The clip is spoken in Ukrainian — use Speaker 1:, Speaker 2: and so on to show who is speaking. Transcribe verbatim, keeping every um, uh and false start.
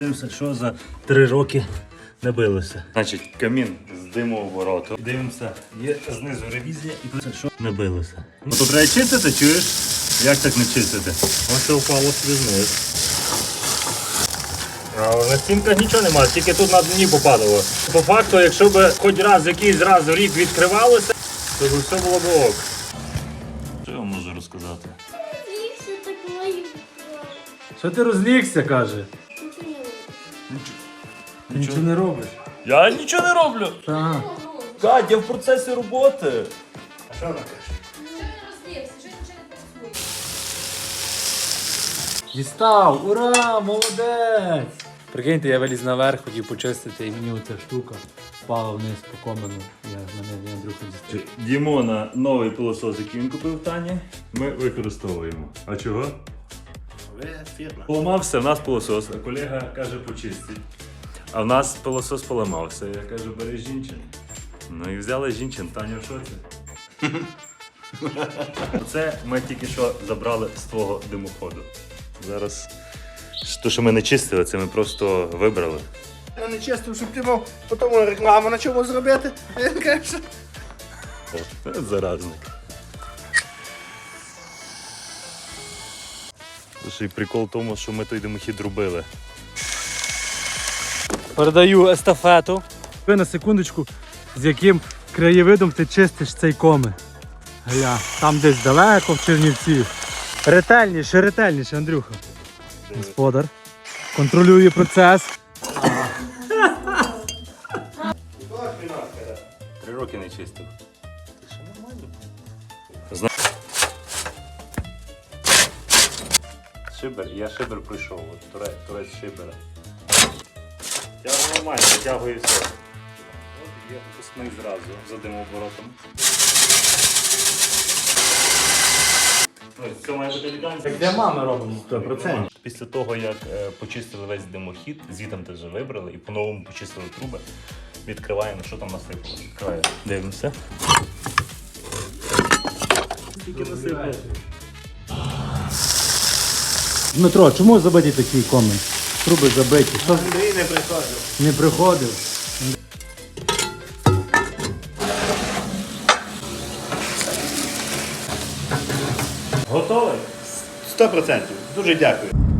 Speaker 1: Дивимося, що за три роки не билося. Значить, камін з димообороту. Дивимося, є знизу ревізія і подивимося, що не билося. Ну, то треба чистити, чуєш? Як так не чистити? Ось це впало собі знизу. А на стінках нічого немає, тільки тут на дні попадало. По факту, якщо б хоч раз якийсь раз в рік відкривалося, то все було б ок. Що я вам можу розказати?
Speaker 2: Розлігся такою.
Speaker 3: Що ти розлігся, каже? Ти нічого не робиш.
Speaker 1: Я нічого не роблю.
Speaker 3: Так.
Speaker 1: Кать, я в процесі роботи. А що вона каже?
Speaker 3: Дістав! Ура! Молодець! Прикиньте, я виліз наверх, хотів почистити, і мені оця штука впала вниз по комену. Я мене Андрюха дістав.
Speaker 1: Дімона новий пилосос, який він купив в Тані, ми використовуємо. А чого?
Speaker 4: Фірма.
Speaker 1: Поламався, в нас пилосос, а колега каже почистить. А в нас пилосос поламався. Я кажу, бери жінчин. Ну і взяли жінчин, Таня в шоці. Це ми тільки що забрали з твого димоходу. Зараз те, що ми не чистили, це ми просто вибрали.
Speaker 4: Я не чистив, щоб ти мав потім рекламу на чому зробити. А я кажу,
Speaker 1: О, це заразник. Слушай, прикол в тому, що ми той димохід робили.
Speaker 3: Передаю естафету. Ви на секундочку, з яким краєвидом ти чистиш цей коми. Гля, там десь далеко в Чернівці. Ретельніше, ретельніше, Андрюха. Господар. Контролює процес.
Speaker 1: Три роки не чистив. Це ще нормально. Шибер, я шибер пройшов, от, турець, турець шибера. Я нормально витягую все. От є випускник зразу за димооборотом. Ну, це має бути елегантно.
Speaker 3: Так для мами робимо.
Speaker 1: сто відсотків. Після того, як е, почистили весь димохід, звітом теж вибрали і по-новому почистили труби, відкриваємо, що там насипало. Відкриваємо. Дивимося. Скільки насипало?
Speaker 3: Дмитро, чому забиті такі коми? Труби забиті. Що?
Speaker 4: Андрій не приходив.
Speaker 3: Не приходив.
Speaker 1: Готовий?
Speaker 4: Сто процентів. Дуже дякую.